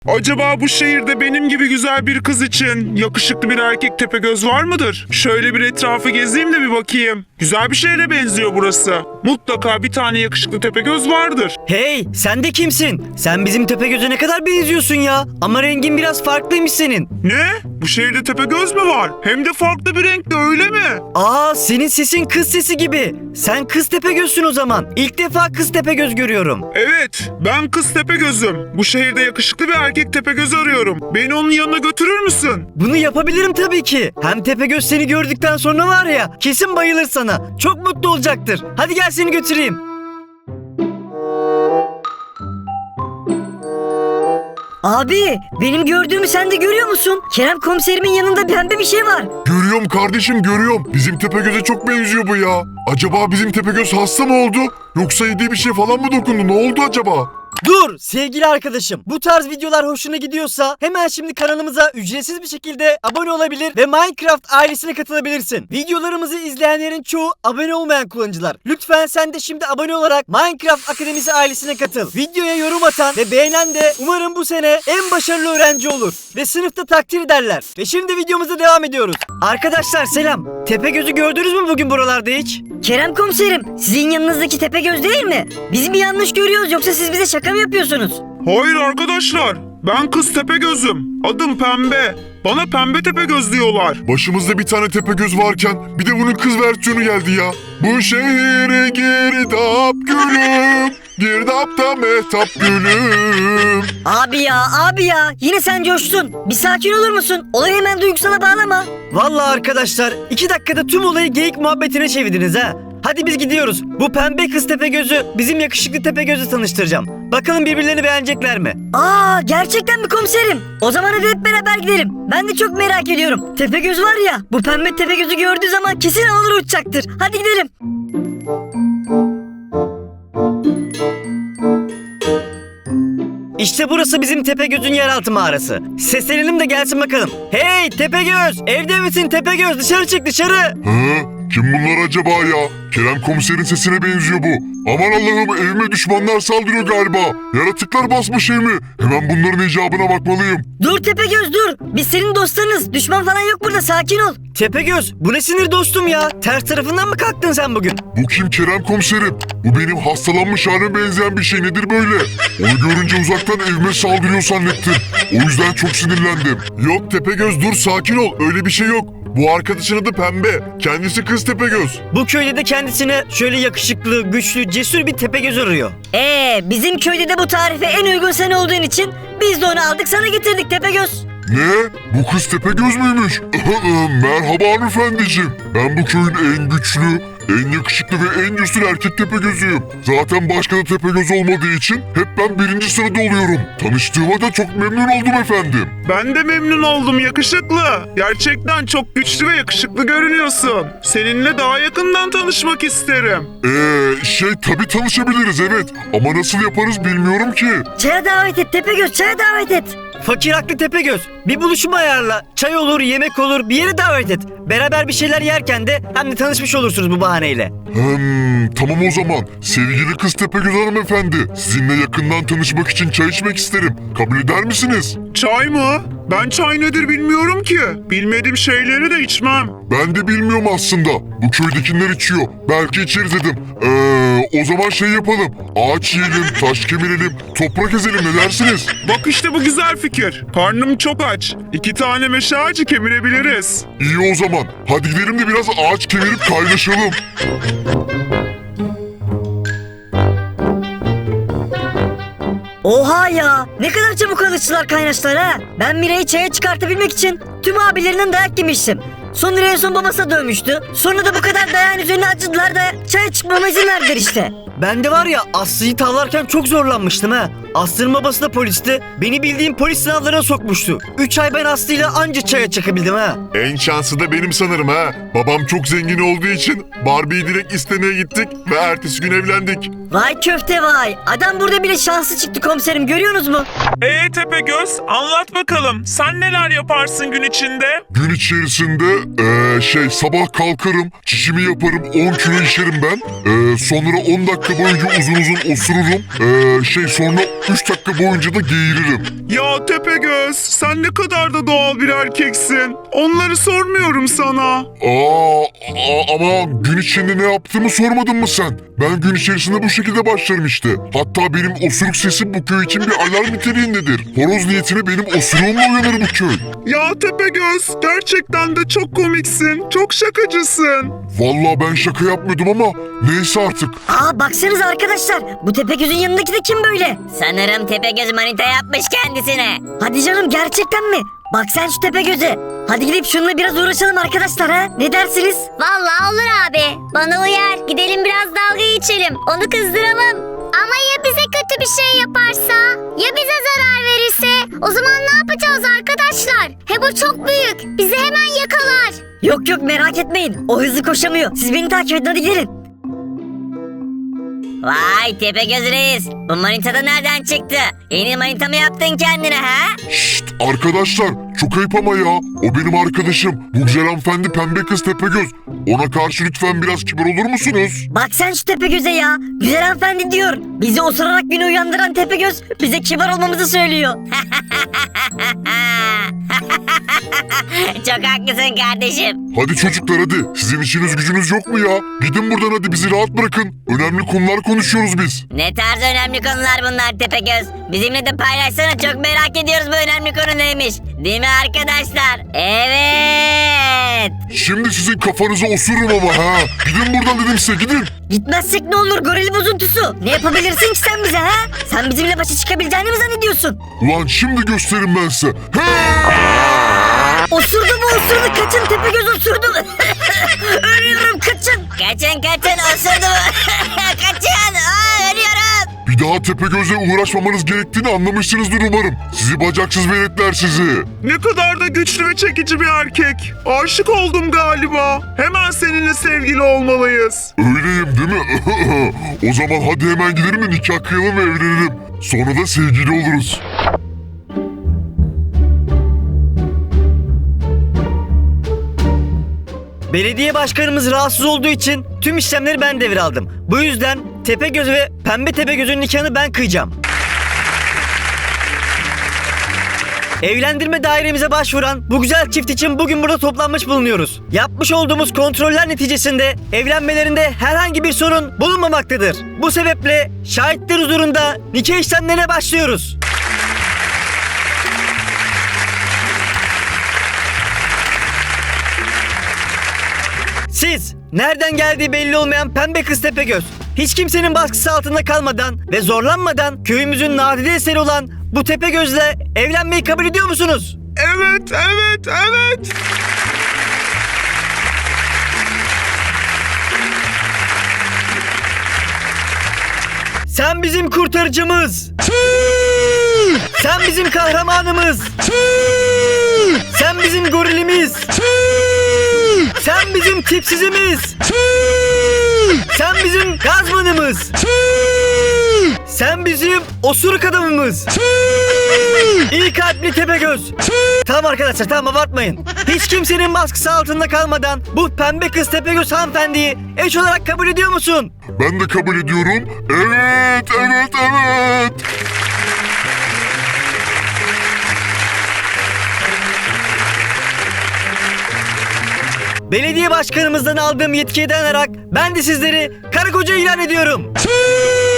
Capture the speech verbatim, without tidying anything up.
Acaba bu şehirde benim gibi güzel bir kız için yakışıklı bir erkek Tepegöz var mıdır? Şöyle bir etrafı gezeyim de bir bakayım. Güzel bir şehre benziyor burası. Mutlaka bir tane yakışıklı Tepegöz vardır. Hey, sen de kimsin? Sen bizim Tepegöz'e ne kadar benziyorsun ya. Ama rengin biraz farklıymış senin. Ne? Bu şehirde Tepegöz mü var? Hem de farklı bir renkte, öyle mi? Aa, senin sesin kız sesi gibi. Sen kız Tepegöz'sün o zaman. İlk defa kız Tepegöz görüyorum. Evet, ben kız Tepegöz'üm. Bu şehirde yakışıklı bir erkek Tepegöz arıyorum. Beni onun yanına götürür müsün? Bunu yapabilirim tabii ki. Hem Tepegöz seni gördükten sonra var ya, kesin bayılır sana. Çok mutlu olacaktır. Hadi gel seni götüreyim. Abi, benim gördüğümü sen de görüyor musun? Kerem komiserimin yanında pembe bir şey var. Görüyorum kardeşim, görüyorum. Bizim Tepegöz'e çok benziyor bu ya. Acaba bizim Tepegöz hasta mı oldu? Yoksa yediği bir şey falan mı dokundu? Ne oldu acaba? Dur sevgili arkadaşım. Bu tarz videolar hoşuna gidiyorsa hemen şimdi kanalımıza ücretsiz bir şekilde abone olabilir ve Minecraft ailesine katılabilirsin. Videolarımızı izleyenlerin çoğu abone olmayan kullanıcılar. Lütfen sen de şimdi abone olarak Minecraft Akademisi ailesine katıl. Videoya yorum atan ve beğenen de umarım bu sene en başarılı öğrenci olur ve sınıfta takdir ederler. Ve şimdi videomuza devam ediyoruz. Arkadaşlar selam. Tepegöz'ü gördünüz mü bugün buralarda hiç? Kerem komiserim, sizin yanınızdaki Tepegöz değil mi? Biz mi yanlış görüyoruz yoksa siz bize şaka mı yapıyorsunuz? Hayır arkadaşlar, ben kız Tepegöz'üm. Adım Pembe. Bana Pembe Tepegöz diyorlar. Başımızda bir tane Tepegöz varken bir de bunun kız versiyonu geldi ya. Bu şehre girdap gülüm, girdapta mehtap gülüm. Abi ya, abi ya, yine sen coştun. Bir sakin olur musun? Olayı hemen duygusala bağlama. Vallahi arkadaşlar iki dakikada tüm olayı geyik muhabbetine çevirdiniz ha. Hadi biz gidiyoruz. Bu pembe kız Tepegöz'ü bizim yakışıklı Tepegöz'ü tanıştıracağım. Bakalım birbirlerini beğenecekler mi? Aa, gerçekten mi komiserim? O zaman hadi hep beraber gidelim. Ben de çok merak ediyorum. Tepegöz var ya, bu pembe Tepegöz'ü gördüğü zaman kesin alır uçacaktır. Hadi gidelim. İşte burası bizim Tepegöz'ün yeraltı mağarası. Seslenelim de gelsin bakalım. Hey Tepegöz! Evde misin Tepegöz? Dışarı çık dışarı! Hı? Kim bunlar acaba ya? Kerem komiserin sesine benziyor bu. Aman Allah'ım, evime düşmanlar saldırıyor galiba. Yaratıklar basmış evimi. Hemen bunların icabına bakmalıyım. Dur Tepegöz dur. Biz senin dostlarınız. Düşman falan yok burada, sakin ol. Tepegöz bu ne sinir dostum ya? Ters tarafından mı kalktın sen bugün? Bu kim Kerem komiserim? Bu benim hastalanmış halime benzeyen bir şey, nedir böyle? Onu görünce uzaktan evime saldırıyor zannettim. O yüzden çok sinirlendim. Yok Tepegöz, dur sakin ol, öyle bir şey yok. Bu arkadaşın adı Pembe. Kendisi kız Tepegöz. Bu köyde de kendisine şöyle yakışıklı, güçlü, cesur bir Tepegöz arıyor. Ee, bizim köyde de bu tarife en uygun sen olduğun için biz de onu aldık sana getirdik Tepegöz. Ne? Bu kız Tepegöz müymüş? Merhaba hanımefendiciğim. Ben bu köyün en güçlü, en yakışıklı ve en cesur erkek Tepegöz'üyüm. Zaten başka da Tepegöz olmadığı için hep ben birinci sırada oluyorum. Tanıştığıma da çok memnun oldum efendim. Ben de memnun oldum yakışıklı. Gerçekten çok güçlü ve yakışıklı görünüyorsun. Seninle daha yakından tanışmak isterim. Eee şey tabii tanışabiliriz evet. Ama nasıl yaparız bilmiyorum ki. Çaya davet et Tepegöz, çaya davet et. Fakir haklı Tepegöz. Bir buluşma ayarla. Çay olur, yemek olur, bir yere davet et. Beraber bir şeyler yerken de hem de tanışmış olursunuz bu bahaneyle. Hmm, tamam o zaman. Sevgili kız Tepegöz hanımefendi. Sizinle yakından tanışmak için çay içmek isterim. Kabul eder misiniz? Çay mı? Ben çay nedir bilmiyorum ki. Bilmediğim şeyleri de içmem. Ben de bilmiyorum aslında. Bu köydekiler içiyor. Belki içeriz dedim. Eee o zaman şey yapalım. Ağaç yiyelim, taş kemirelim, toprak ezelim, ne dersiniz? Bak işte bu güzel fikir. Karnım çok aç. İki tane meşe ağacı kemirebiliriz. İyi o zaman. Hadi gidelim de biraz ağaç kemirip kaynaşalım. Oha ya, ne kadar çabuk alıştılar kaynaşlar ha. Ben Mira'yı çaya çıkartabilmek için tüm abilerinden dayak yemiştim. Sonra en son babasına dövmüştü. Sonra da bu kadar dayağın üzerine acıdılar da çaya çıkmama izin verdiler işte. Ben de var ya Aslı'yı tavlarken çok zorlanmıştım ha. Aslı'nın babası da polisti. Beni bildiğim polis sınavlarına sokmuştu. Üç ay ben Aslı'yla anca çaya çıkabildim ha. En şanslı da benim sanırım ha. Babam çok zengin olduğu için Barbie'yi direkt istemeye gittik ve ertesi gün evlendik. Vay köfte vay. Adam burada bile şanslı çıktı komiserim, görüyorsunuz mu? Ee Tepegöz, anlat bakalım. Sen neler yaparsın gün içinde? Gün içerisinde eee, şey sabah kalkarım, çişimi yaparım, on kilo işerim ben. Eee, sonra on dakika boyunca uzun uzun osururum. Eee, şey sonra üç dakika boyunca da geğiririm. Ya Tepegöz, sen ne kadar da doğal bir erkeksin. Onları sormuyorum sana. Aa, aa, ama gün içinde ne yaptığımı sormadın mı sen? Ben gün içerisinde bu şekilde başlarım işte. Hatta benim osuruk sesim bu köy için bir alarm niteliğindedir. Horoz niyetine benim osuruğumla uyanır bu köy. Ya Tepegöz, gerçekten de çok komiksin. Çok şakacısın. Vallahi ben şaka yapmıyordum ama neyse artık. Aa baksanıza arkadaşlar, bu Tepegöz'ün yanındaki de kim böyle? Sanırım Tepegöz manita yapmış kendisine. Hadi canım, gerçekten mi? Bak sen şu Tepegöz'e. Hadi gidip şununla biraz uğraşalım arkadaşlar ha. Ne dersiniz? Vallahi olur abi. Bana uyar. Gidelim biraz dalga geçelim. Onu kızdıramam. Ama ya bize kötü bir şey yaparsa? Ya bize zarar verirse? O zaman ne yapacağız arkadaşlar? He bu çok büyük. Bizi hemen yakalar. Yok yok, merak etmeyin. O hızlı koşamıyor. Siz beni takip edin, hadi gelin. Vay Tepegöz reis. Bu manita da nereden çıktı? Yeni manita mı yaptın kendine ha? Şşt arkadaşlar çok ayıp ama ya. O benim arkadaşım. Bu güzel hanımefendi pembe kız Tepegöz. Ona karşı lütfen biraz kibar olur musunuz? Bak sen şu Tepegöz'e ya. Güzel hanımefendi diyor. Bizi osurarak güne uyandıran Tepegöz bize kibar olmamızı söylüyor. Çok haklısın kardeşim. Hadi çocuklar hadi. Sizin işiniz gücünüz yok mu ya? Gidin buradan hadi bizi rahat bırakın. Önemli konular konuşuyoruz biz. Ne tarz önemli konular bunlar Tepegöz? Bizimle de paylaşsana, çok merak ediyoruz bu önemli konu neymiş. Değil mi arkadaşlar? Evet. Şimdi sizin kafanıza osururum ama ha. Gidin buradan dedim size gidin. Gitmezsek ne olur goril bozuntusu? Ne yapabilirsin ki sen bize ha? Sen bizimle başa çıkabileceğini mi zannediyorsun? Ulan şimdi gösteririm ben size. He! Osurdu bu osurdu, kaçın Tepegöz osurdu. Ölüyorum, kaçın. Kaçın kaçın, osurdu bu. Kaçın, aa, ölüyorum. Bir daha Tepegöz'le uğraşmamanız gerektiğini anlamışsınızdır umarım. Sizi bacaksız veletler sizi. Ne kadar da güçlü ve çekici bir erkek. Aşık oldum galiba. Hemen seninle sevgili olmalıyız. Öyleyim değil mi? O zaman hadi hemen gidelim de nikah kıyalım ve evlenelim. Sonra da sevgili oluruz. Belediye başkanımız rahatsız olduğu için tüm işlemleri ben devraldım. Bu yüzden Tepegöz ve Pembe Tepegöz'ün nikahını ben kıyacağım. Evlendirme dairemize başvuran bu güzel çift için bugün burada toplanmış bulunuyoruz. Yapmış olduğumuz kontroller neticesinde evlenmelerinde herhangi bir sorun bulunmamaktadır. Bu sebeple şahitler huzurunda nikah işlemlerine başlıyoruz. Siz, nereden geldiği belli olmayan pembe kız Tepegöz, hiç kimsenin baskısı altında kalmadan ve zorlanmadan köyümüzün nadide eseri olan bu Tepegöz'le evlenmeyi kabul ediyor musunuz? Evet, evet, evet. Sen bizim kurtarıcımız. Sen bizim kahramanımız. Sen bizim gorilimiz. Sen bizim tipsizimiz. Sen bizim gazmanımız. Sen bizim osuruk adamımız. İyi kalpli Tepegöz. Tamam arkadaşlar, tamam abartmayın. Hiç kimsenin baskısı altında kalmadan bu pembe kız Tepegöz hanımefendiyi eş olarak kabul ediyor musun? Ben de kabul ediyorum. Evet, evet, evet. Belediye başkanımızdan aldığım yetkiye dayanarak ben de sizleri karı koca ilan ediyorum.